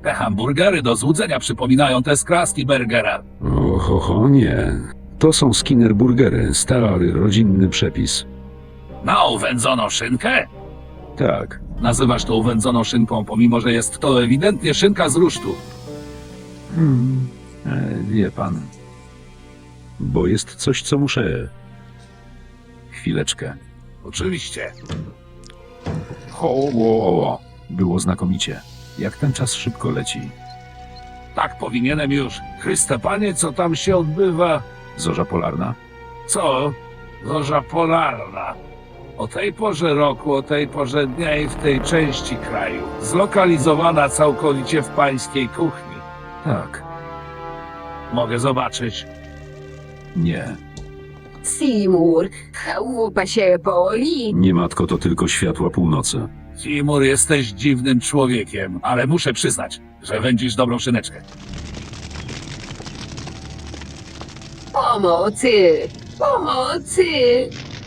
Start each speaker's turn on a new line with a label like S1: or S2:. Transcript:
S1: Te hamburgery do złudzenia przypominają te z kraski burgera.
S2: Oho, nie. To są Skinner burgery, stary, rodzinny przepis.
S1: Na uwędzoną szynkę?
S2: Tak.
S1: Nazywasz to uwędzoną szynką, pomimo że jest to ewidentnie szynka z rusztu.
S2: Wie pan. Bo jest coś, co muszę... Chwileczkę.
S1: Oczywiście.
S2: Ho. Było znakomicie. Jak ten czas szybko leci.
S1: Tak powinienem już. Chryste Panie, co tam się odbywa?
S2: Zorza polarna?
S1: Co? Zorza polarna. O tej porze roku, o tej porze dnia i w tej części kraju. Zlokalizowana całkowicie w pańskiej kuchni.
S2: Tak.
S1: Mogę zobaczyć.
S2: Nie.
S3: Seymour, chałupa się boli.
S2: Nie, matko, to tylko światła północy.
S1: Timur, jesteś dziwnym człowiekiem, ale muszę przyznać, że wędzisz dobrą szyneczkę.
S3: Pomocy! Pomocy!